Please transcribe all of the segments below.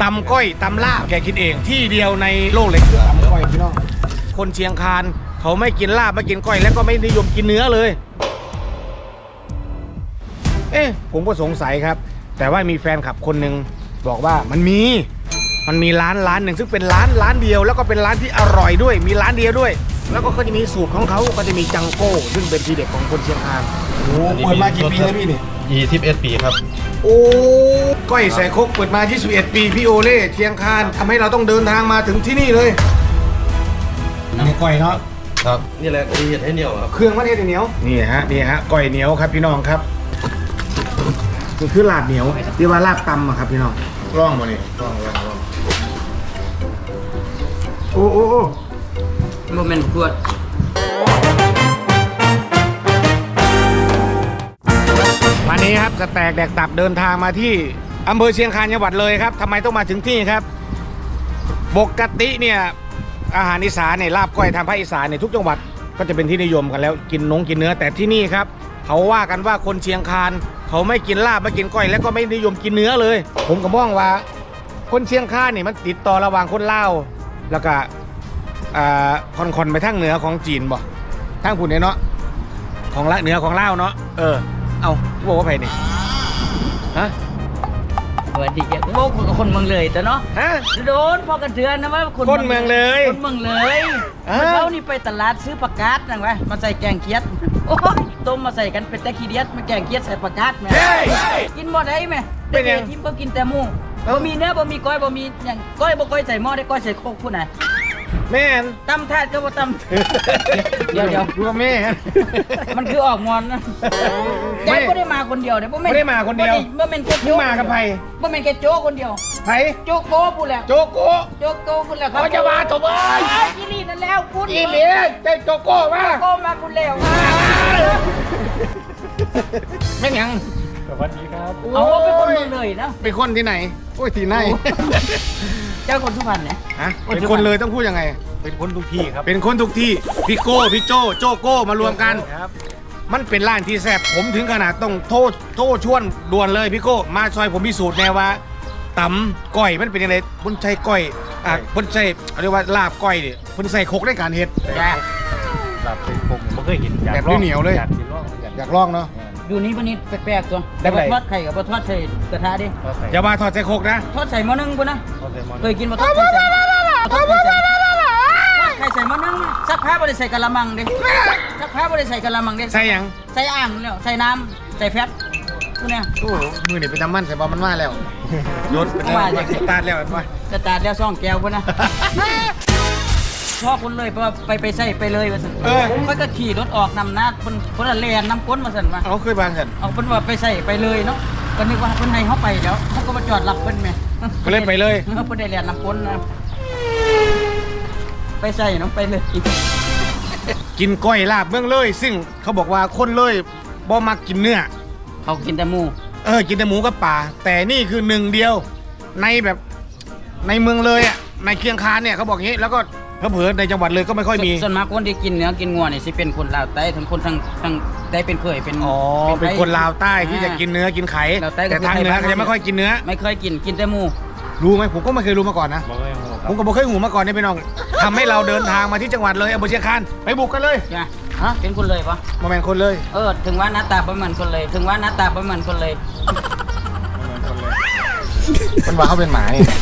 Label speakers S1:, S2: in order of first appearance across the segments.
S1: ตำก้อยตำลาบแกคิดเองที่เดียวในโลกเลยตำก้อยพี่น้องคนเชียงคานเขาไม่กินลาบไม่กินก้อยแล้วก็ไม่นิยมกินเนื้อเลยผมก็สงสัยครับแต่ว่ามีแฟนคลับคนหนึ่งบอกว่ามันมีร้านหนึ่งซึ่งเป็นร้านเดียวแล้วก็เป็นร้านที่อร่อยด้วยมีร้านเดียวด้วยแล้วก็เขาจะมีสูตรของเขาก็จะมีจังโก้ซึ่งเป็นทีเด็ดของคนเชียงคานโอ้เปิดมากี่ปีแล้วพี่นี่
S2: 21 ปีครับ
S1: โอ้ก้อยใส่ครกเปิดมา21 ปีพี่โอเล่เชียงคานทำให้เราต้องเดินทางมาถึงที่นี่เลยนี่ก้อยเนาะ
S2: ครับนี่แหละที่เห็ดให้เหนียวครับ
S1: เครื่องมันเห็ดเหนียวนี่ฮะก้อยเหนียวครับพี่น้องครับนี่คือลาบเหนียวที่ว่าลาบตำอะครับพี่น้องร่องมานี่ร่องโอ้
S3: โมเมนต์ขวด
S1: วันนี้ครับสแต็กแดกตับเดินทางมาที่อำเภอเชียงคานจังหวัดเลยครับทำไมต้องมาถึงที่ครับปกติเนี่ยอาหารอีสานเนี่ยลาบก้อยทางภาคอีสานเนี่ยทุกจังหวัดก็จะเป็นที่นิยมกันแล้วกินเนื้อแต่ที่นี่ครับเขาว่ากันว่าคนเชียงคานเขาไม่กินลาบไม่กินก้อยแล้วก็ไม่นิยมกินเนื้อเลยผมก็มองว่าคนเชียงคานเนี่ยมันติดต่อระหว่างคนลาวแล้วก็คอนไปทางเหนือของจีนบ่ทางผุนเนี่ยเนาะของละเหนือของลาวเนาะเอาบอกว่าไผ่นี่ฮะ
S3: สวัสดีแกโอ้คนเมืองเลยแต่เนาะ
S1: ฮะ
S3: โดนพอกันเถื่อนนะว่า
S1: คนเมืองเลย
S3: คนเมืองเลยเขานี่ไปตลาดซื้อผักกาดนั่งไว้มาใส่แกงเคียดโอ้ยต้มมาใส่กันเป็นตะขี้เดียดมาแกงเคียดใส่ผักกาดแม่กินหมดได้ไหมเด็กๆทีมก็กินแต่หมูบ่มีเนื้อบ่มีก้อยบ่มีอย่างก้อยบ่ก้อยใส่หม้อได้ก้อยใส่โคกพูดไหน
S1: แม่น
S3: ตำถาดก็บ่ตำเดี๋ยว
S1: ดูแม่
S3: มันคือออกงอนนะแจ๊ก็ได้มาคนเดียวเดี๋ยว
S1: ไม่ได้มาคนเดียว
S3: เมื่อเป็นแค่โจ๊ก
S1: มากับไผ่
S3: เมื่อเป็นแค่โจ๊กคนเดียว
S1: ไผ่
S3: โจ๊กโก้พูดแล้ว
S1: โจ๊กโก้
S3: พูดแล้วครับ
S1: เขาจะมาถม
S3: ยี่ลีนั่นแล้วพูด
S1: ยี่ลีเจ๊โจ๊กโก้มา
S3: พูดแล้ว
S1: ไม่ยัง
S2: สวัสดีครับ
S3: เอาเป็นคนเมืองเลยนะ
S1: เป็นคนที่ไหนโอ้ยที่ไหน
S3: เจ้าคนสุพรรณเนี่ย
S1: ฮะเป็นคนเลยต้องพูดยังไง
S2: เป็นคนทุกที่ครับ
S1: เป็นคนทุกที่พี่โก้พี่โจโก้มารวมกันมันเป็นร้านที่แซ่บผมถึงขนาดต้องโทษชวนด่วนเลยพี่โก้มาซอยผมพิสูจน์แน่ว่าตำก้อยมันเป็นยังไงบนใช้ก้อยบนใช้เรียกว่าลาบก้อยเนี่ยบนใส่โคกในการเฮ็ด
S2: ลาบเป็นโคกไม่เคยเห็น
S1: แบบเหนียวเลยอยากลองเนาะ
S3: อยู่นี้วันนี้แปลกๆตัวทอดไข่กับทอดใส่กระทะดิ
S1: อย่ามาทอดใส่โคกนะ
S3: ทอดใส่หม้อนึ่งปุ่นนะเคยกินมาทอดใส่ไข่ใส่หม้อนึ่งสักพักบริใส่กะละมังดิสักพักบริใส่กะละมังดิ
S1: ใส่ยัง
S3: ใส่อ่างแล้วใส่น้ำใส่แฟตพวกเนี้ย
S1: โอ้มือนี่เป็นน้ำมันใส่บอลมันมาแล้วรถเป็นสตาร์ทแล้วว่า
S3: สตาร์ทแล้วซ่องแก้วปุ่นนะชอบคนเลยเพราะไปใส่ไปเลยมาสั่นเขาก็ขี่รถออกนำหน้าคนละแลนน้ำก้นมาสั่นมา
S1: เอาเคยบางกัน
S3: เอาเป็นว่าไปใส่ไปเลยเนาะก็นึกว่าคนในเขาไปแล้วเขาก็มาจอดรับเพิ่นไหม
S1: ก็เล่นไปเลย
S3: เขาไปได้แลนน้ำก้นนะไปใส่น้องไปเลย
S1: กินก้อยลาบเมืองเลยซึ่งเขาบอกว่าคนเลยบ่มักกินเนื้อ
S3: เขากินแต่หมู
S1: กินแต่หมูกับปลาแต่นี่คือหนึ่งเดียวในแบบในเมืองเลยอ่ะในเชียงคานเนี่ยเขาบอกงี้แล้วก็เผลอในจังหวัดเลยก็ไม่ค่อยมี
S3: ส่วนมากคนที่กินเนื้อกินงัวเนี่ยสิเป็นคนลาวใต้ทั้งคนทั้งได้เป็นเคยเป็น
S1: เป็นคนลาวใต้ที่จะกินเนื้อกินไข่แต่ทางเหนือเขาจะไม่ค่อยกินเนื้อ
S3: ไม่เคยกินแต่หมู
S1: รู้ไหมผมก็ไม่เคยรู้มาก่อนนะผมก็ไม่เคยหูมาก่อนนี่พี่น้องทำให้เราเดินทางมาที่จังหวัดเลยอำเภอเชียงคานไปบุกกันเลย
S3: ฮะเป็นคนเลยปะ
S1: มาแมนคนเลย
S3: ถึงว่าหน้าตาประมาณคนเลยถึงว่าหน้าตาประมาณคนเลย
S1: มันว่าเขาเป็นหมาเนี่ย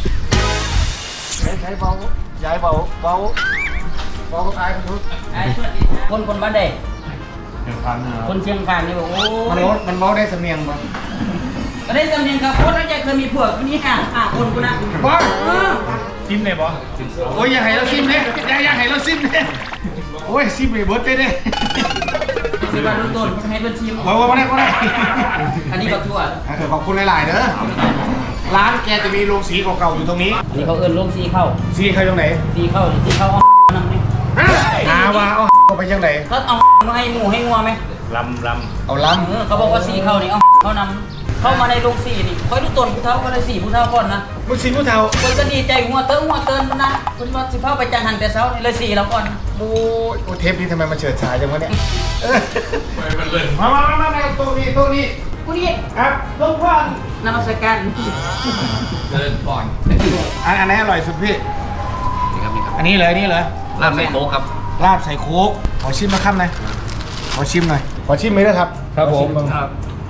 S1: ใช้เบาย้ายเบาก็ตายคนทุก
S3: คนบ้านใดคนเชียงคานนี่บอกโอ้
S1: มันเบาได้สำเนียงป่ะ
S3: ได้สำเนียงครับคนนั้นจะเคยมีผัวคนนี้คนกูนะ
S1: บ้าซิมเลยป่ะโอ้ยอย่าให้เราซิมเนี่ยอย่าให้เราซิมเนี่ยโอ้ยซิมเลยเบิร์ดได้
S3: ซิมมาดูต้นให้เป็นซิม
S1: มาได้
S3: อันนี้ก็ทั่ว
S1: ขอบคุณหลายๆเด้อร้านแกจะมีโรงสีเก่าๆอยู่ตรงนี้
S3: นี่เขาเอิ้นโรงสีเข้า
S1: ตรงไหน
S3: สีเข้านั่งนี่
S1: ว่าเอาไปยังไหน
S3: เขาเอาให้หมูให้งัวไหม
S2: ลำ
S1: เอาลำ
S3: เขาบอกว่าสีเข้านี่เขานำเข้ามาในโรงสีนี่คอยดูต้นผู้เฒ่าก็เลยสีผู้เฒ่าก่อนนะ
S1: ผู้สีผู้เฒ่า
S3: คนก็ดีใจหัวเตินนะคุณว่าสิเข้าไปจังหันแต่เช้านี่เลยสีแล้วก่อน
S1: โอ้เทปนี้ทำไมมันเฉิดฉายจังวะเนี่ยมาตัวนี้
S3: กูนี่
S1: ครับลงควัน
S3: นมัสการ
S4: เดินก่อน
S1: อันไหนอร่อยสุดพี่
S4: นี่ครับนี่ครับ
S1: อันนี้เลยนี่เลย
S4: ลาบใส่โค้กครับ
S1: ลาบใส่โค้กขอชิมมาครับหน่อยขอชิมหน่อยขอชิมไหมนะครับ
S2: ครับผม
S1: ขอชิ
S4: ครับ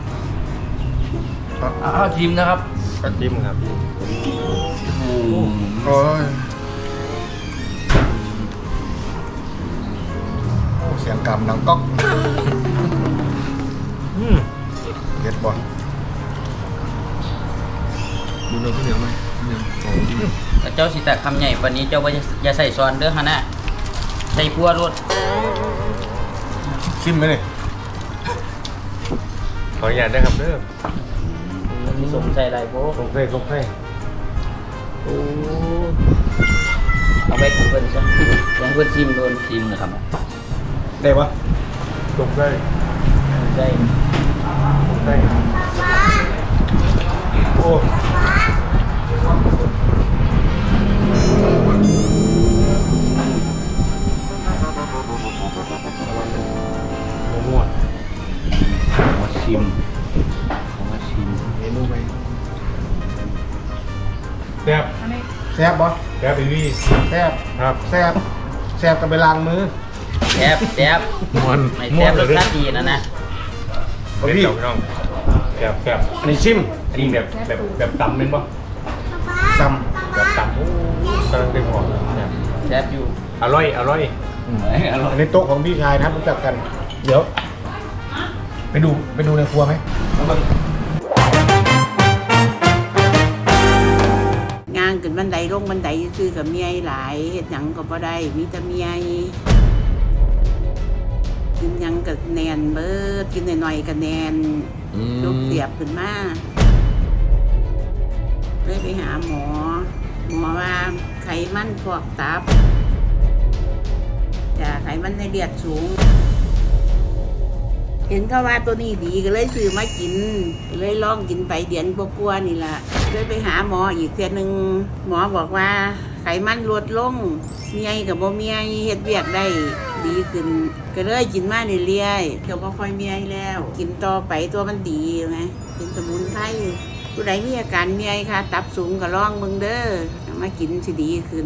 S4: เอาชิมนะครับ
S2: ก็จิ้มครับ
S1: โอ้ยโอ้เสียงกำดังก๊อก เด็ดบ่
S4: ดูเนื้อข้าวเหนียวไหมข้าวเหนียวโอ้จิ้ม
S3: แต่เจ้าสิแต่คำใหญ่ปานนี้เจ้าว่าอย่าใส่ซอนเด้อฮะนะใส่พัวรส
S1: ชิมไหมเลย
S2: ขออนุญาตได้ครับเด้อ
S3: ที่สมใส่อะไรโบ
S2: ส่งเฟ้ส่งเฟ้
S3: โอ้เอาไปกับเพิ่นซะยังเพิ่นชิมโดน
S4: ชิมนะครับ
S1: ได้ปะ
S2: ส่งเฟ้
S3: ใส่
S2: ส่งเฟ้
S1: โอ้มั่ว
S4: มาชิมมาชิม
S1: เมนูไป
S2: แซ่บ
S1: แซ่บบ่
S2: แซ่บอีวี่
S1: แซ่บ
S2: ครับ
S1: แซ่บแซ่บกันไปล้างมือ
S3: แซ่บแซ่บ
S2: ม้วน
S3: ไม่แซ่บรสชาติดีนะ
S2: เด็ดเจ้าพี่น้องแซ่บแซ่บ
S1: อันนี้ชิม
S2: อันนี้แบบตำเป็นปะ
S1: ต
S2: แบบตำโอ้กำลังเป็นหอมเนี่ย
S3: แซ่บอยู่
S2: อร่อยอร่อย
S4: อร่อ
S1: ำ
S4: ย
S1: อันนี้โต๊ะของพี่ชายนะครับรู้จักกัน เดี๋ยว ไปดูในครัวไหม
S5: งานขึ้นบันไดลงบันไดซื้อกับเมียหลายเฮ็ดหยังก็บ่ได้มีแต่เมียกินหยังก็แนนเบิดกินหน่อยๆก็แนนยกเสียบขึ้นมาเลยไปหาหมอว่าไขมันพอกตับจ้ะไขมันในเลือดสูง เห็นเขาว่าตัวนี้ดีก็เลยซื้อมากินเลยลองกินไปเดือนกว่าๆนี่ล่ะเลยไปหาหมออีกเทื่อนึงหมอบอกว่าไขมันลดลงเมียกับบ่เมียเฮ็ดเวียกได้ดีขึ้นก็เลยกินมาเรื่อยๆก็บ่ค่อยเมียแล้ว กินต่อไปตัวมันดีไงเป็นสมุนไพรผู้ใดมีอาการเมียค่ะตับสูงก็ลองเบิ่งเด้อเอามากินสิดีขึ้น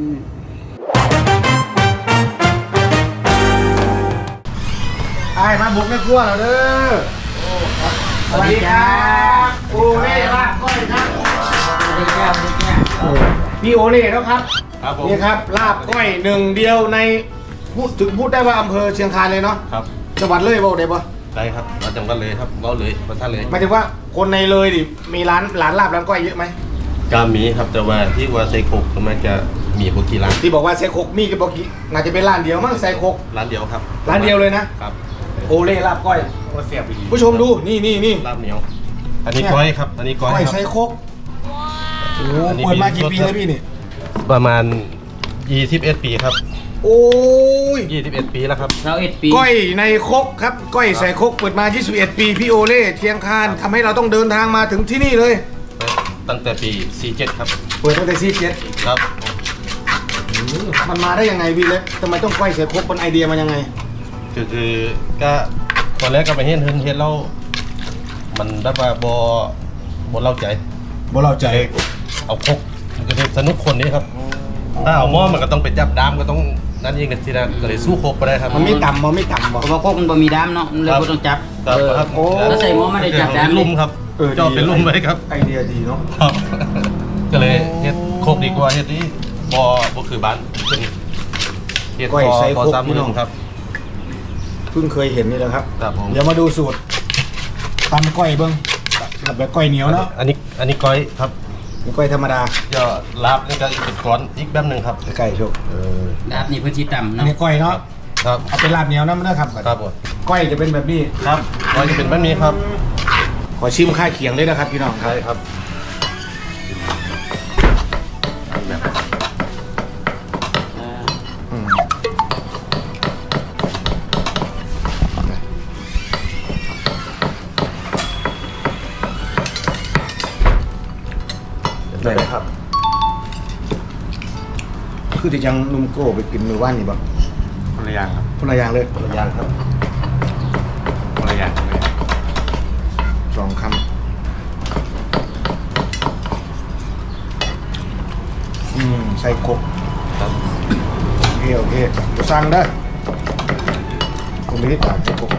S1: ไอ้มาบุกในครัวเราเด้อสวัสดีครับโอเล่ลาบก้อยครับ
S3: ได้แก้วได้แก้ว
S1: พี่โอเล่แล้วครับ
S2: ครับผม
S1: นี่ครับลาบก้อยหนึ่งเดียวในพูดได้ว่าอำเภอเชียงคานเลยเนาะ
S2: ครับ
S1: จังหวัดเลยบอกได้ปะ
S2: ได้ครับมาจังกันเลยครับเว้าเลยมาท่านเลย
S1: หมายถึงว่าคนในเลยดิมีร้านลาบร้านก้อยเยอะไหม
S6: กามีครับแต่ว่าที่ว่าไซโคกมันจะมีบกี่ร้าน
S1: ที่บอกว่าไซโคกมีกับบอกกี้น่าจะเป็นร้านเดียวมั้งไซโคก
S6: ร้านเดียวครับ
S1: ร้านเดียวเลยนะครับ โอเล่ลาบก้อย
S2: โอ้เสียบอีก
S1: ผู้ชมดูนี่
S6: ลาบเหนียว อันนี้ก้อยครับ อันนี้ก้อย
S1: ก้อย
S6: ค
S1: ไซ
S6: รับ
S1: โคกโอ้โห
S6: อันนี้
S1: เปิดมา
S6: มี
S1: กี่ปี
S6: รส
S1: แล้วพี่นี่
S6: ประมาณ21ปีครับ
S1: โอ้ย
S6: 21ปีแล้วครับ
S3: 21ปี
S1: ก้อยในครกครับก้อยใส่ครกเปิดมา 21 ปีพี่โอเล่เชียงคานทำให้เราต้องเดินทางมาถึงที่นี่เลย
S6: ตั้งแต่ปี47ครับ
S1: เปิดตั้งแต่ซีเจ็ด
S6: ครับ
S1: มันมาได้ยังไงพี่เล็กทำไมต้องก้อยใส่ครกเป็นไอเดียมันยังไง
S6: คือก็ตอนแรกก็ไปเห็นแล้วมันแบบว่าบ่เล่าใจ
S1: บ่เราใจ
S6: เอาครกมันก็เลยสนุกคนนี้ครับ ถ้าเอาหม้อมันก็ต้องไปจับดามก็ต้องนั่นเองกันทีนะก็เลยสู้ครกไปได้ครับ
S1: มันไม่ต่ำบ่
S3: เพราะว่าโคกมันบ่มีด้ามเนาะมันเลยบ่ต้องจับ
S6: ครับครับ
S1: โอ้
S3: แล้วใส่หม้อไม่ได้จับด้าม
S6: เป็นลุ่มครับจอดเป็นลุ่มไว้ครับ
S1: ไอเดียดีเนาะ
S6: ครับ ก็เลยเฮ็ดโคกดีกว่าเฮ็ดนี้บ่คือบ้านเป็นเฮ็ด
S1: ก้อยใส่ครก
S6: ซ้ำ
S1: พี่น้อง
S6: ครับ
S1: เพิ่งเคยเห็นนี่แหละครับ
S6: ครับผม
S1: เดี๋ยวมาดูสูตรตำก้อยเบิ้งแบบก้อยเหนียวเนาะ
S6: อันนี้ก้อยครับ
S1: นี่ก้อยธรรมดา
S6: ก็ลาบนี่ก็อีกเป็นก้อนอีกแบบหนึงครับ
S1: ไก่โชก
S3: ดาบนี่เพิ่นสิต่ำ
S1: อัน
S3: เนาะ
S1: นี้ก้อยเนาะ
S6: ครับ
S1: เอาเป็นลาบเหนียวนะมันนะครับ
S6: ครับผม
S1: ก้อยจะเป็นแบบนี้
S6: ครับก้อยจะเป็นแบบนี้ครับ
S1: ขอชิมข้าวเคียงเลยนะครับพี่น้องครับ
S6: ใช่ครับ
S1: อืมได้เลยครับ คือที่จังนุ่มโก้ไปกินมือว่านนี่บ่
S2: คนละอย่างครับ
S1: คนละอย่างเลย
S6: ตัวอย่างครับ
S2: คนละอย่างเลย
S1: 2 คำใส่กบ
S6: ครับ
S1: โอเคจะสั่งได้ผมไม่ได้ต่างใส่กบ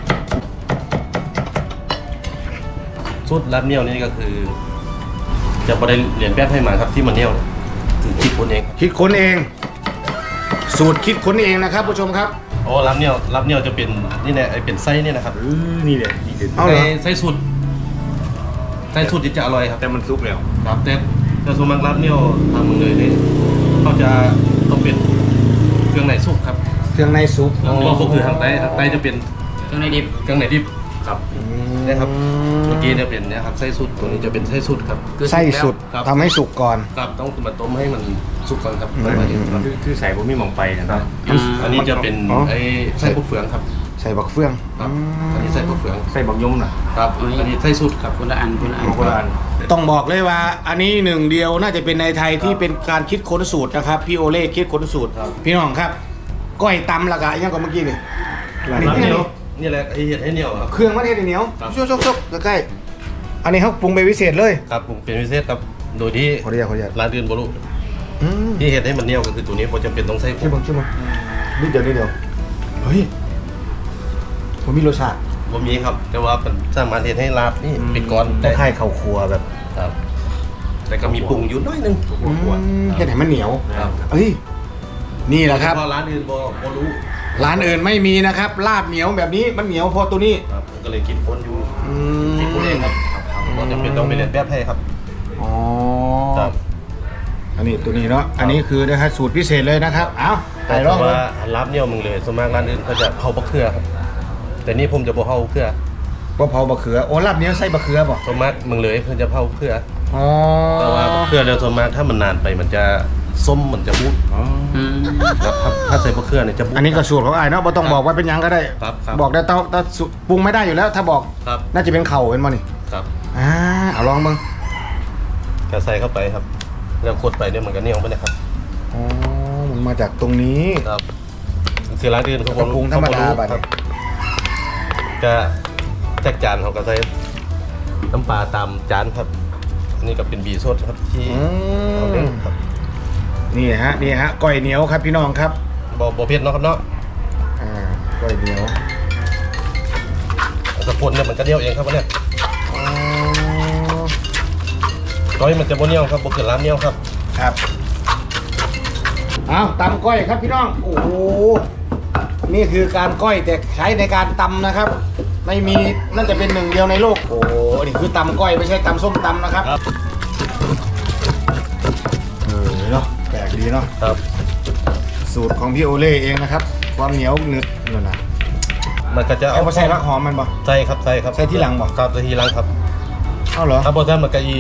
S6: สูตรรับเหนียวนี่ก็คือ จะบ่ได้เรียนแบบให้มาครับที่มันเหนียวคือคิดคนเอง
S1: คิดค้นเอง สูตรคิดค้นเองนะครับผู้ชมครับ
S6: โอ้รับเหนียวจะเป็นนี่แหละไอ้เป็นไส้นี่นะครับ
S2: นี่แหละดีเด็ด
S1: เอาเหรอ
S6: ไส้สุดที่จะอร่อยครับ
S2: แต่มันซุกแล้ว
S6: ครับแต่ส่วนมากรับเหนียวทางเมืองเลยนี่เขาจะต้องเป็นเครื่องในสุกครับ
S1: เครื่องในซุป
S6: ก็คือทางใต้จะเป็น
S3: เครื่องในดิบ
S6: เครื่องในดิบครับ
S1: นะ
S6: นะครับเมื่อกี้จะเป็นเนี่ยครับไส้สุดตัวนี้จะเป็นไส้สุดครับ
S1: ไส้สุด
S6: ครับ
S1: ทำให้สุกก่อน
S6: ครับต้องมาต้มให้มันสุกก่อนครับ
S1: อืม
S6: ค่อยมาเห็นครับ
S2: คือใส่ผมมีมองไปนะครับ
S6: อันนี้จะเป็น
S1: อ๋อ
S6: ไอ้ไส้พวกเฟืองครับ
S1: ใส่บักเฟือง
S6: ครับอันนี้ไส้พวกเฟือง
S2: ใส่บักยมน่ะ
S6: ครับอันนี้ไส้สุดครับ
S3: คนละอัน
S2: โบราณ
S1: ต้องบอกเลยว่า อันนี้หนึ่งเดียวน่าจะเป็นในไทยที่เป็นการคิดค้นสูตรนะครับพี่โอเล่คิดค้นสูตร พี่น้องครับ ก้อยตำละกะยังกับเมื่อกี้นี่
S6: รับเหนียวนี่แหละไอ้เห็ดให้เหนียวครับ
S1: เครื่องมันเทศเหนียว
S6: ครับ
S1: ชกใกล้ๆอันนี้เขาปรุงไปพิเศษเลย
S6: ครับผมเป็นพิเศษครับโดยที่
S1: ขออนุญาต
S6: ร้านอื่นบรุ
S1: อืม
S6: ที่เห็ดให้มันเหนียวก็คือตัวนี้ผมจำเป็นต้องใส่ผ
S1: ช่วย
S6: ง
S1: บังนิดเดียวเฮ้ยผมมีรสชาติ
S6: บ่มีครับ แต่ว่ามันสามารถเห็ดให้ลาบนี่เป็นก้อน
S1: ค
S6: ได้
S1: ล้ายๆข้าวครัวแบบ
S6: ครับ แต่ก็มีปรุงอยู่น้อยหนึง
S1: แค่ไหนมันเหนียว
S6: ครับ
S1: เอ้ยนี่แหละครับ
S6: เพราะร้านอื่นบ่รู้
S1: ร้านอื่นไม่มีนะครับลาบเหนียวแบบนี้มันเหนียวพอตัวนี้
S6: ครับผมก็เลยคิดค้นอยู่
S1: อืม
S6: คิดค้นเองครับก็จำเป็นต้องไปเรียนแบบให้ครับ
S1: อ๋อ
S6: ครับ
S1: อันนี้ตัวนี้เนาะอันนี้คือนะครับสูตรพิเศษเลยนะครับเอ้า
S6: แต่
S1: ไปลอง
S6: ว่าลาบเหนียวมึงเลยส่วนมากร้านอื่นเขาจะเผาบะเขือครับ แต่นี่ผมจะบ่เผาเขือ
S1: ว่าเผาบะเขือโอ้ลาบเหนียวใส่บะเขือป่ะ
S6: ส่วนมากมึงเลยเพิ่นจะเผาเขือ
S1: อ๋อ
S6: แต่ว่าเขือแล้วส่วนมากถ้ามันนานไปมันจะส้มมันจะบูดครับถ้าใส่บะเขือเนี่ยจะบูด
S1: อันนี้ก็สูตรของอ้ายเนาะบ่ต้องบอกว่าเป็นหยังก็ได้
S6: ครับ
S1: บอกได้แต่ปรุงไม่ได้อยู่แล้ว ถ้าบอก
S6: ครับ
S1: น่าจะเป็นเข่าเป็นมั้นี่
S6: ครับ
S1: เอาลองมึง
S6: ก็ใส่เข้าไปครับ แล้วกดไปเนี่ยมันก็เหนียวไปนะครับ
S1: อ๋อมันมาจากตรงนี้
S6: ครับคือร้านอื่นเขา
S1: แล้วก็ปรุงธรรมดาบัด
S6: ครับก็แจกจานเขาก็ใส่น้ำปลาตามจานครับ อันนี้ก็เป็นบีสดครับที่
S1: อื
S6: เอาเล่น
S1: ม
S6: ครับ
S1: นี่ฮะก้อยเหนียวครับพี่น้องครับ
S6: บ่เผ็ดเนาะครับเนาะ
S1: ก้อยเหนียว
S6: สะพนเนี่ยมันก็เหนียวเองครับวันเนี้ย
S1: อ๋อ
S6: ก้อยมันจะบ่เหนียวครับบ่เกินร้านเหนียวครับ
S1: ครับเอาตำก้อยครับพี่น้องโอ้โหนี่คือการก้อยแต่ใช้ในการตำนะครับ ไม่มีน่าจะเป็นหนึ่งเดียวในโลกโอ้โหนี่คือตำก้อยไม่ใช่ตำส้มตำนะครับเนาะแปลกดีเนาะ
S6: ครับ
S1: สูตรของพี่โอเล่เองนะครับ ความเหนียวหนึบนั่นนะ
S6: มันก็จะ
S1: เอาไปใส่รักหอมมันบ่
S6: ใส่ครับใส่ครับ
S1: ใส่ที่หลังบ่
S6: ครับใส่ที่หลังครับ
S1: เอาเหรอ
S6: ถ้าบ่ทันมันก็อี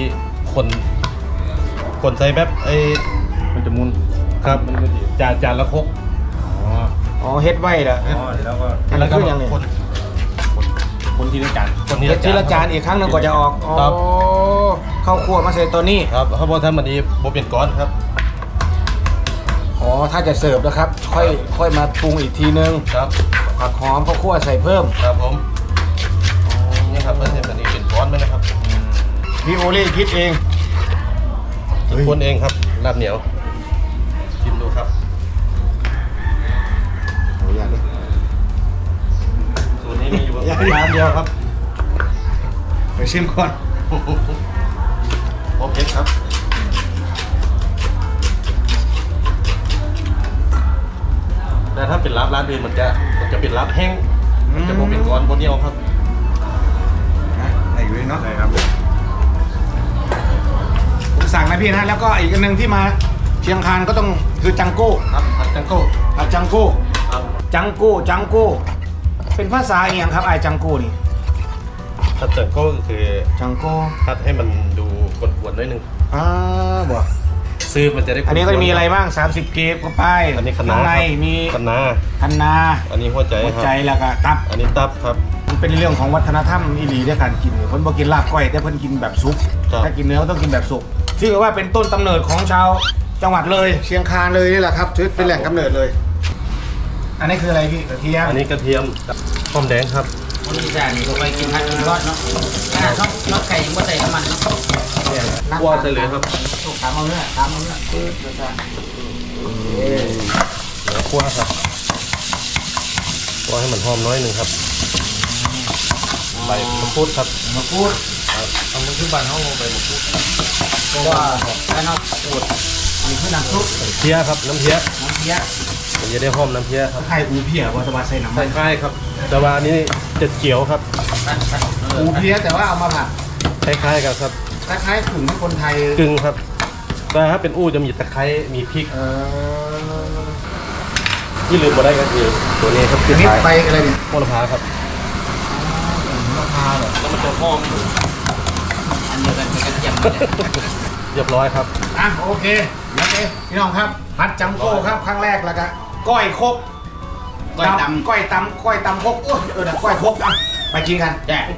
S6: คนใส่แบบไอ้
S2: มันจะมุน
S6: ครับจานละครก
S1: อ๋อเฮ็ดไว้เหรอ
S2: อ๋อแล้วก็
S1: อันนั้นคือยังไง
S2: คนที่ได้จาน
S6: คน
S1: เฮ็ดทีละจานอีกครั้งหนึงก่อนจะออกอ๋อ
S6: ครับ
S1: เข้าครัวมาใส่ตัวนี้
S6: ครับถ้าบ่ทันมันนี้บ่เป็นก้อนครับ
S1: อ๋อถ้าจะเสิร์ฟนะครับค่อยมาปรุงอีกทีนึง
S6: ครับ
S1: ผักหอมข้าวคั่วใส่เพิ่ม
S6: ครับผมนี่ครับมันจะเป็นก้อนไหมนะครับ
S1: พี่โอเล่คิดเอง
S6: คนเองครับลาบเหนียวชิมดูครับ
S1: โอ้ยากเลย
S6: สูตรนี้มีอยู่ร้านเดียวครับ
S1: ไปชิมก่อน
S6: โอเคครับแต่ถ้าเป็นร้านอื่นมันจะเป็นลาบแห้งมันจะบ่เป็นก้อนบ่เหนียวครับ
S1: ไหนอยู่เนาะ
S2: ใช่ครับ
S1: ผมสั่งนะพี่นะแล้วก็อีกอันหนึ่งที่มาเชียงคานก็ต้องคือจังโก้
S6: ครับผัดจังโก้
S1: ผัดจังโก้
S6: ครับ
S1: จังโก้เป็นภาษาเอียงครับไอ้จังโก้นี่
S6: ผัดจังโก้ก็คือ
S1: จังโก้
S6: ผัดให้มันดูกวนๆหน่อยหนึง
S1: บ่
S6: ซื้อมันจะได้
S1: อันนี้ก็จะมีอะไรบ้าง30เกฟก็ไป
S6: อันนี้คะน้า
S1: ข้างในมี
S6: คะน้า
S1: คะน้า
S6: อันนี้หัวใจ
S1: หัว
S6: ครับ
S1: ใจแล้วก็ตับ
S6: อันนี้ตับครับ
S1: มันเป็นเรื่องของวัฒนธรรมอีหลีด้วยการกินเพิ่นบ่กินลาบก้อยแต่เพิ่นกินแบบซุป
S6: ครับ
S1: ถ้ากินเนื้อก็ต้องกินแบบสุกชื่อว่าเป็นต้นกำเนิดของชาวจังหวัดเลยเชียงคานเลยนี่แหละครับถือเป็นแหล่งกำเนิดเลย อันนี้คืออะไรพี่กระเทียม
S6: อันนี้กระเทียมหอมแดงครับ
S3: คนอีสานนี่ก็ไปกินผัดกินทอดเนาะขนาดนอกไก่ยังบ่ใส่น้ำมันเนาะ
S6: คั่วใส่เลยครับ
S1: ตามเอาเนื้อปื๊ดเลยจ้ะ
S6: คั่วครับคั่วให้มันหอมน้อยหนึ่งครับใบมะกรูดครับ
S1: มะกรูด
S6: เอามันขึ้นบานห้องใบมะกรูด
S1: เพราะว่าแล้วนอกปูดมีคือน้ำซุป
S6: เพี้ยครับน้ำเพี้ย
S1: น้ำเพี้ย
S6: มันจะได้หอมน้ำเพี้ยครับ
S1: ไข่อูเพี้ยว่าจะมาใส่น้ำมัน
S6: คล้ายๆครับแต่ว่าอันนี้จะเขียวครับ
S1: อูเพี้ยแต่ว่าเอามาผัด
S6: คล้ายๆกันครับ
S1: คล้ายๆกึ่งที่คนไทย
S6: กึ่งครับแต่ถ้าเป็นอู้จะมีตะไคร้มีพริกที่ลืมมาได้ก็คือตัวนี้ครับ
S1: อั
S6: คื
S1: น
S6: อ
S1: นี้
S6: ท้าย
S1: ไปอะไรเนี่ย
S6: โหระพาครับ
S1: มะพร้าวเหรอ
S6: แล้วมันจะหอม
S3: อันเดียวกันกับกระเทียม
S6: เรียบร้อยครับ
S1: อ่ะโอเคโอเคพี่น้องครับผัดจังโก้ครับครั้งแรกแล้วก็ก้อยคกก้อยตำก้อยตำคกโอ้ยเดี๋ยวก้อยคกอ่ะไปกินกันแย่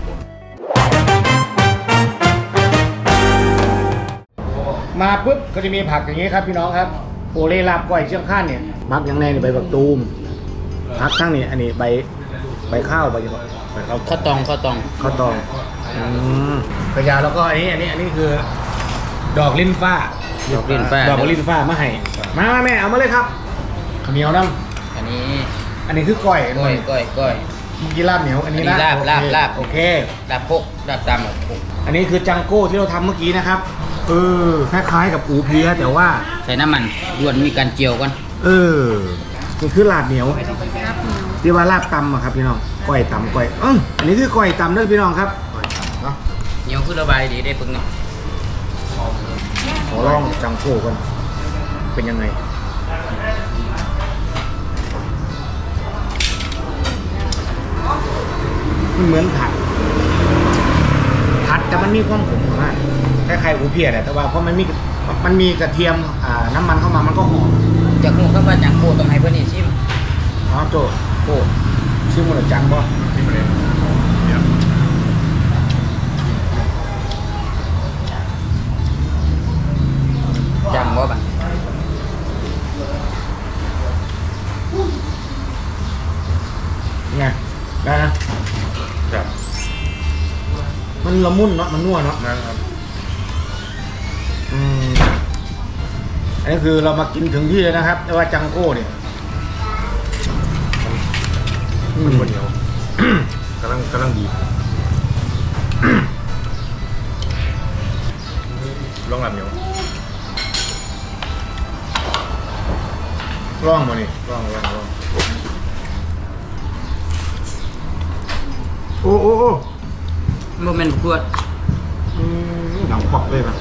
S1: มาปุ๊บก็จะมีผักอย่างนี้ครับพี่น้องครับโอเล่ลาบก้อยเชียงข้านเนี่ยมักอย่างแรกนี่ใบบักตูมผักทั้งนี่อันนี้ใบข้าวใบยังไงใบข้าว
S3: ข้าวตอง
S1: ข้าวตองกระยาแล้วก็อันนี้คือ ดอกลิ้นฟ้า
S3: ดอกลิ้นฟ้า
S1: ดอกลิ้นฟ้ามาให้มาแม่เอามาเลยครับข้าวเหนียวน้
S3: อันนี้
S1: ำอันนี้คือก้อย
S3: ก้อย
S1: เมื่อกี้ลาบเหนียวอันนี้นะ
S3: อันนี้ลาบ
S1: โอเค
S3: ลาบพกลาบตำแบบพก
S1: อันนี้คือจังโก้ที่เราทำเมื่อกี้นะครับคล้ายๆกับอูเพียแต่ว่า
S3: ใส่น้ำมันด่วนมีการเจียวกัน
S1: นี่คือลาบเหนียวที่ว่าลาบตำอะครับพี่น้องก้อยตำก้อยอันนี้คือก้อยตำเด้อพี่น้องครับเนาะ
S3: เหนียวคือระบายดีได้ปึงเนาะ
S1: ขอลองจังโก้กันเป็นยังไงมันเหมือนผัดแต่มันมีความขมมากคล้ายๆอูเพียแหละแต่ว่าเพราะมันมีกระเทียมน้ำมันเข้ามามันก็หอม
S3: จากหูเข้ามาจากโคต้องให้เพื่อนนี่ชิม
S1: อ๋อโจโก้ชื่อมันจังบ่
S2: ที่ประเด็นเนี่ย
S3: จังบ่บัง
S1: ไงได้นะ
S2: ครับ
S1: มันละมุนเนาะมันนัวเนาะ
S2: นะครับ
S1: อันนี้คือเรามากินถึงที่เลยนะครับแต่ว่าจังโก้เนี่ย
S2: มันเหนียวกำลังดีลองลำเหนียว
S1: ร่องมานี่
S2: ลอง
S1: โอ้
S3: โมเมนต์ขวด
S1: หนังปอกเลยนะ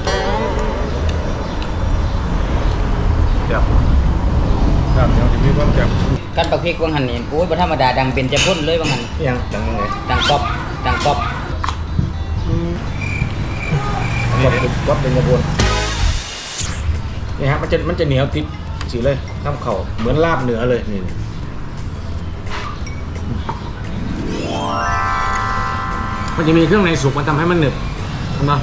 S2: จับลำเหนียวจะมีความจับ
S3: กันปักพริกวังหันนี่โอ้ยบ่ธรรมดาดังเป็นจะพ่นเลยวังหัน
S1: ยังจังยังไง
S3: ดังก๊อบ
S1: วัดเป็นกระบวนนี่ฮะมันจะเหนียวติดสีเลยข้ามเข่าเหมือนลาบเหนือเลยนี่มันจะมีเครื่องในสุกมันทำให้มันหนึบเห็นไหม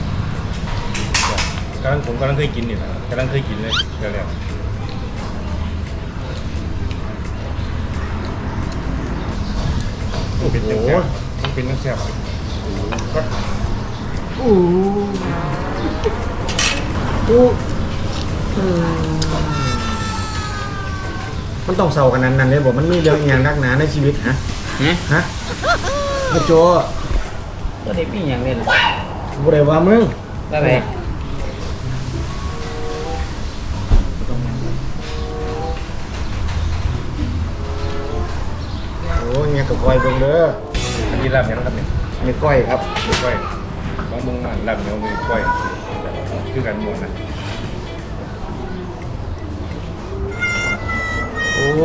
S2: ผมกำลังเคยกินนี่นะกำลังเคยกินเลยเร็ว
S1: โอ้โห
S2: มันเป็นน้ำแซ่บ
S1: มันต้องเศร้ากันนั้นเลยบอกมันมีเรื่องอย่างนักหนาในชีวิตฮะ
S3: เนี่ย
S1: ฮะมาโจ
S3: ก็ได้ปีอย่างเล่น
S1: บุเรว่ามึง
S3: ได้ไป
S1: โอ้ยเนี่ยกับก้อยเบิ่งเด้อ
S2: อันนี้ลาบเหนียวนะครับเนี่ย
S1: มีก้อยครับ
S2: มือก้อยบางมุงลาบเหนียวมือก้อยคือกันหมดนะ
S1: โอ้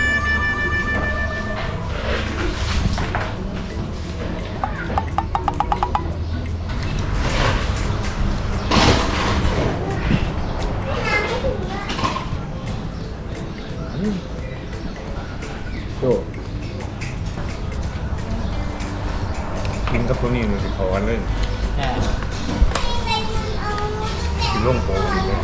S1: โจ
S2: กินกับตัวนี้มันสิเขากันเลยกินล่งโผล่อีกเลย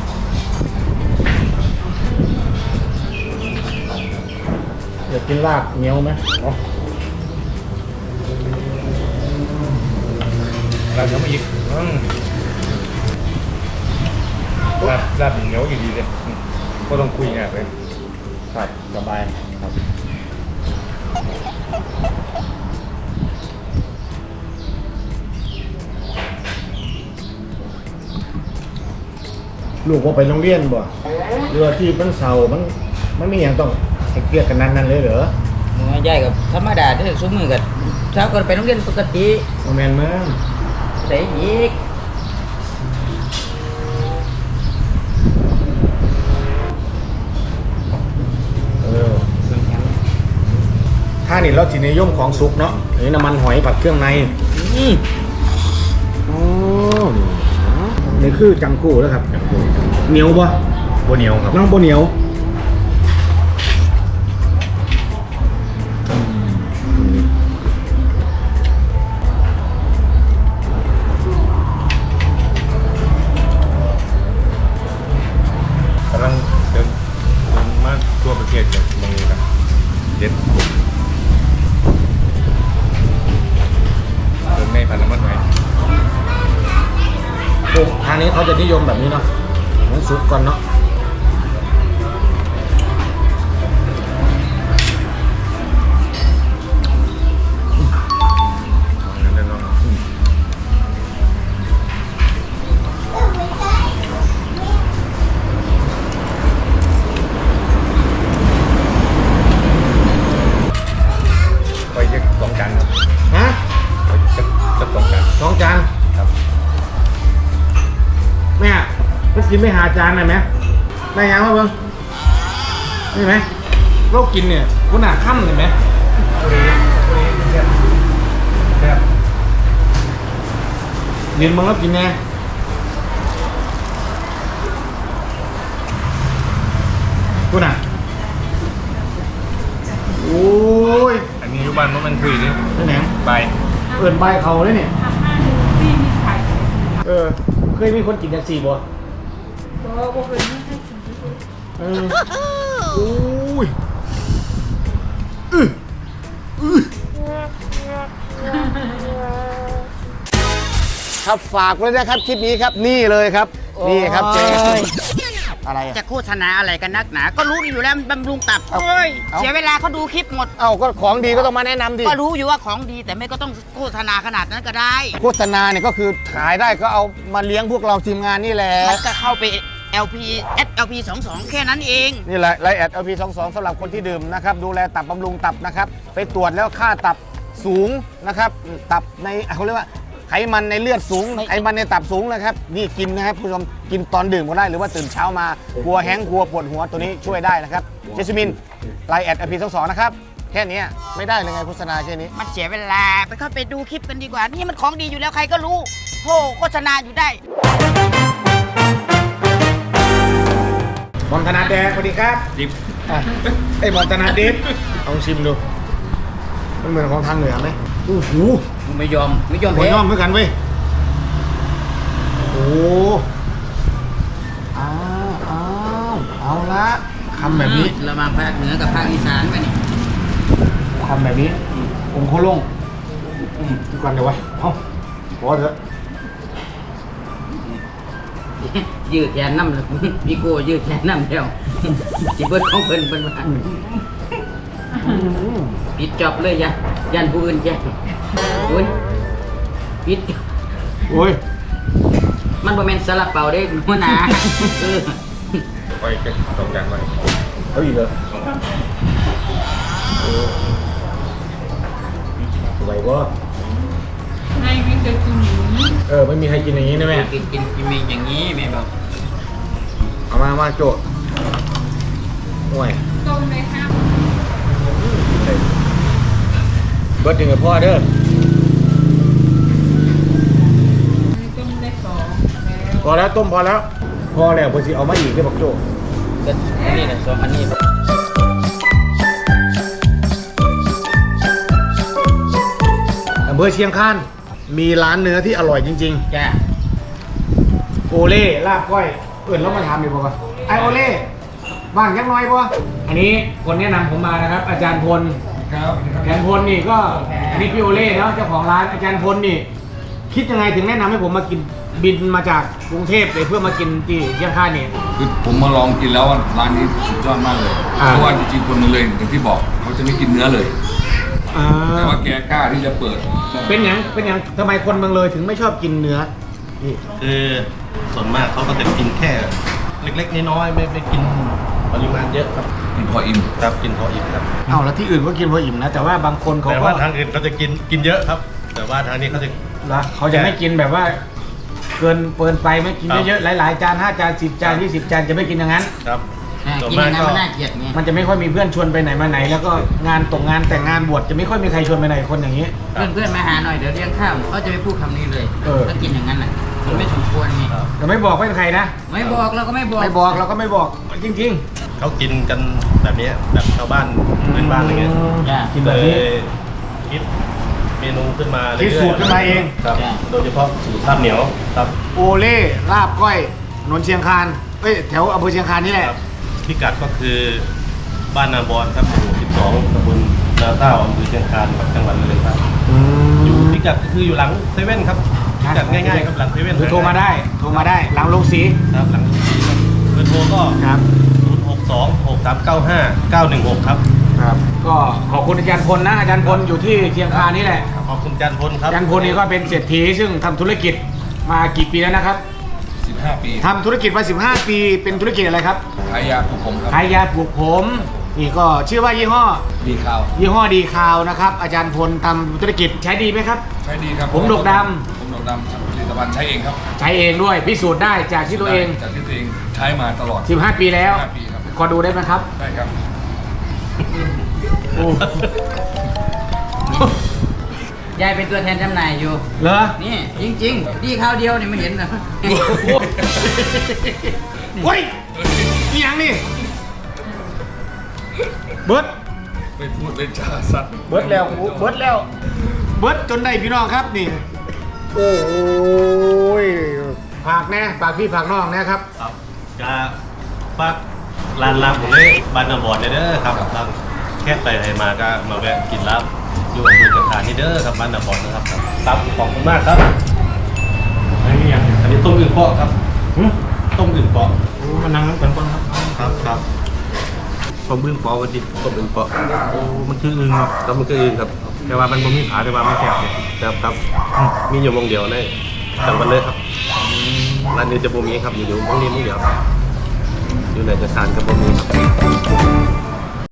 S1: อยากกินลาบเหนียวไหมอ๋อ
S2: ลาบเหนียวมาอีกลาบเหนียวอยู่ดีเลยก็ต้องคุยงานเลย
S1: ครับสบายครับลูกว่าไปโรงเรียนบ่เรือที่มันเสามันไม่อย่างต้องให้เกลียดกันนั้นเลยเหรอ
S3: ใหญ่กับธรรมดาที่ซุ้มมือกับเช้าก็ไปโรงเรียนปกติ
S1: โมเมนต์มั้ง
S3: แต่อีก
S1: ถ้านี่เราจีนิยมของซุปเนาะอันนี้น้ำมันหอยผัดเครื่องในอ๋อนี่คือจังกู้แล้วครับเหนียวปะ
S2: โบเหนียวครับ
S1: น้องโบเหนียว
S2: กำลังเดินมาทั่วประเทศจากเมืองครับเด็ดเดินในพันน้ำมันไหม
S1: ทางนี้เขาจะนิยมแบบนี้เนาะน้ำซุปก่อนเนาะ
S2: นั่นแน่นอนไปเช็ค2 จานครับ
S1: ฮะ
S2: ไปเช็ค2 จาน
S1: 2 จาน
S2: ครับ
S1: แม่ก็กินไม่หาจานหน่อยไหมแม่ยังมาเบิ้งนี่ไหมเรากินเนี่ยคุณหนาค่ำเห็นไหมยืนมึงแล้วกินแน่คุณอ่ะโอ้ย
S2: อันนี้อยู่บ้านมันคุยดิ
S1: นี่แหนง
S2: ใบ
S1: เปิดใบเขาเลยเนี่ยเคยมีคนกินจากสี่บ่โอ้ยครับฝากไว้นะครับคลิปนี้ครับนี่เลยครับนี่ครับเจ๊อะไรอะ
S3: จะโฆษณาอะไรกันนักหนา ก็รู้อยู่แล้วมันบำรุงตับเฮ้ย
S1: เอา
S3: เสียเวลาเขาดูคลิปหมด
S1: เอ้าก็ของดีก็ต้องมาแนะนำดิ
S3: ก็รู้อยู่ว่าของดีแต่ไม่ก็ต้องโฆษณาขนาดนั้นก็ได้
S1: โฆษณาเนี่ยก็คือขายได้ก็เอามาเลี้ยงพวกเราทีมงานนี่แหละ
S3: มันก็เข้าไป LP LP 22แค่นั้นเอง
S1: นี่แหละไลน์แอด LP22 สำหรับคนที่ดื่มนะครับดูแลตับบำรุงตับนะครับไปตรวจแล้วค่าตับสูงนะครับตับในเขาเรียกว่าไขมันในเลือดสูง
S3: ไม่
S1: ไขมันในตับสูงนะครับนี่กินนะครับผู้ชมกินตอนดื่มก็ได้หรือว่าตื่นเช้ามากลัวแห้งกลัวปวดหัวตัวนี้ช่วยได้นะครับเจสมินไลน์แอด LP22 นะครับแค่นี้ไม่ได้เลยไงโฆษณาแค่นี้
S3: มันเสียเวลาไปเข้าไปดูคลิปกันดีกว่า นี่มันของดีอยู่แล้วใครก็รู้โหโฆษณาอยู่ได้
S1: มอนธนาแดงสวัสดีครับ
S2: ดิบ
S1: ไอ้มอนธนาดิฟลองชิมดูมันเหมือนของทางเหนือไหมโอ้โห
S3: ไม่ยอม
S1: หัว
S3: แพ้
S1: ย่อมเหมือนกันเว้ยโอ้อ้าวเอาละคำแบบนี้
S3: ระหว่างภาคเหนือกับภาคอีสานไปนี่
S1: คำแบบนี้องค์โคลงดูก่อนเดี๋ยวไว้เอาพอเถอะ
S3: ยืดแขนน้ำเลยพี่โก้ยืดแขนน้ำแล้วจิเบิร์ดของเพิ่นเป็นว่าปิดจอบเลยยันผู้อื่นแจ้งโอ้ยปิด
S1: โอ้ย
S3: มันบ่แม่นซาลาเปาเด้หัวหน้าเออ
S2: ไปเช็ค2 จานไว้
S1: เอาอีกเหรอไหวบ่ไม่มีใครกินอย่างนี้ไม่มีใครกินอย่างนี้นะแม่
S3: กินมีอย่างนี้แม่บอก
S1: เอามาโจทย์ห่วยต้มเลยครับเบิร์ดถึงกับพ่อเด้อต้มได้2พอแล้วต้มพอแล้วพอแล้วพอสิเอามาอีกได้บอกโจ
S3: ก็อันนี้นะ2อันนี้
S1: อำเภอเชียงคานมีร้านเนื้อที่อร่อยจริง
S3: จ้า
S1: ๆ โอเล่ลาบก้อยเอื่นแล้วมาทำดีกว่าไอโอเล่บ้างยังน้อยป่ะอันนี้คนแนะนำผมมานะครับ อาจารย์พล
S2: ครับ
S1: อาจารย์พลนี่ก็อันนี้พี่โอเล่เนาะเจ้าของร้านอาจารย์พลนี่ คิดยังไงถึงแนะนำให้ผมมากินบินมาจากกรุงเทพเลยเพื่อมากินที่เชียงคานนี่
S2: คือผมมาลองกินแล้วร้านนี้สุดยอดมากเลย
S1: อ่า
S2: เพราะว่าจริงๆคนมาเลยอย่างที่บอกเขาจะไม่กินเนื้อเลย แต่ว่าแกกล้าที่จะเปิด
S1: เป็นหยังทำไมคนเมืองเลยถึงไม่ชอบกินเนื้อพี่
S6: คือส่วนมากเขาก็จะกินแค่เล็กๆน้อยๆไม่กินปริมาณเยอะครับ
S2: กินพออิ่ม
S6: ครับกินพออิ่มครับ
S1: เอาแล้วที่อื่นก็กินพออิ่มนะแต่ว่าบางคนเขา
S6: แต่
S1: ก็
S6: ว่าทางอื่นเขาจะกินเยอะครับ แต่ว่าทางนี้เขาจะ
S1: ละเขาจะไม่กินแบบว่า เกินไปไม่กิน
S6: ครับ
S1: เยอะๆหลายๆจาน5 จาน 10 จาน 20 จานจะไม่กินอย่างนั้น
S6: ครับ ส่วน
S3: กิน
S6: มา
S3: อก ย่างนั้นมันน่าเกลียดไง
S1: มันจะไม่ค่อยมีเพื่อนชวนไปไหนมาไหน แล้วก็งานแต่งงานบวชจะไม่ค่อยมีใครชวนไปไหนคนอย่างนี้
S3: เพื่อนๆมาหาหน่อยเดี๋ยวเลี้ยงข้าวเขาจะไม่พูดคำนี้เลย
S1: เออ
S3: ถ้ากินอย่างนั้นน่ะมันไม่สมควรไง
S1: แต่ไม่บอกเป็นใครนะ
S3: ไม่บอกเราก็ไม่บอก
S1: ไม่บอกเราก็ไม่บอกจริง
S6: เขากินกันแบบนี้แบบชาวบ้านพื้นบ้านอะไรเงี้ย
S3: จ้ะ
S1: ๆ กินแบ
S6: เล
S1: บ
S6: ย
S1: นี้
S6: คิดเมนูขึ้นมา
S1: คิดสูตรขึ้นมาเอง
S6: ครับโดยเฉพาะสูตรลาบเหนียวครับ
S1: โอเล่ลาบก้อยถนนเชียงคานแถวอำเภอเชียงคานนี่แหละ
S6: ครับพิกัดก็คือบ้านนาบอนครับหมู่12ตำบลนาเต้าอำเภอเชียงคานครับจังหวัดเลยครับอยู่พิกัดก็คืออยู่หลังเซเว่นครับพิกัดง่ายๆครับหลังเซเว่น
S1: หรือโทรมาได้หลังโรงสี
S6: ครับหลังสีครับเบอร์โทรก็
S1: ครับ
S6: 062-6395-916 ครับ
S1: ครับก็ขอบคุณอาจารย์พลนะอาจารย์พลอยู่ที่เชียงคานนี่แหละ
S6: ขอบคุณจันพลครับ
S1: อาจารย์พลนี่ก็เป็นเศรษฐีซึ่งทำธุรกิจมากี่ปีแล้วนะครับ
S2: 15 ปี
S1: ทำธุรกิจมา15 ปีเป็นธุรกิจอะไรครับ
S2: ขายยาปลูกผมครับ
S1: ขายยาปลูกผมนี่ก็ชื่อว่ายี่ห้อ
S2: ดีข้าว
S1: ยี่ห้อดีคาวนะครับอาจารย์พลทำธุรกิจใช้ดีไหมครับ
S2: ใช้ดีครับ
S1: ผมดกด
S2: ผมดกดำผลิตภัณฑ์ใช้เองครับ
S1: ใช้เองด้วยพิสูจน์ได้จากที่ตัวเอง
S2: จากที่ตัวเองใช้มาตลอด
S1: 15 ปีแล้ว
S2: 15 ปีครับ
S1: ขอดูได้ไหมครับ
S2: ได้ครับ
S1: โอ้
S3: ยายเป็นตัวแทนจำหน่ายอยู่
S1: เหรอ
S3: นี่จริงๆดีข้าวเดียวนี่ไม่เห็นนะ
S1: เฮ้ยนี่ยังนี่เบิร์ด
S2: ไม่พูดเล่นชาสัตว์
S1: เบิร์ดแล้วเบิร์ดแล้วเบิร์ดจนได้พี่น้องครับนี่โอ้ยฝากแน่ฝากพี่ฝากน้องนะครับ
S6: ครับจะปักร้านลาบผมเลยบ้านนาบอนเลยเด้อครับร้านแค่ไปไหนมาก็มาแวะกินลาบอยู่อำเภอเชียงคานนี่เด้อครับบ้านนาบอนนะครับครับขอบคุณมากครับ
S1: อันนี้ยัง
S6: อันนี้ต้มอึ่งเปาะครับต้มอึ่งเปาะ
S1: มานั่งน้ำกันก่อนครับ
S6: ครับต้มอึ่งเปาะวันดิต้มอึ่งเปาะโอ้มันคืออึ่งครับมันคืออึ่งครับแต่ว่ามันบ่มีขาแต่ว่ามันแสบเนี่ยครับมีอยู่วงเดียวในจังหวัดเลยครับร้านนี้จะบ่มีครับอยู่วงนี้วงเดียวอยู่ในจังหวัดกับบ่มีครับ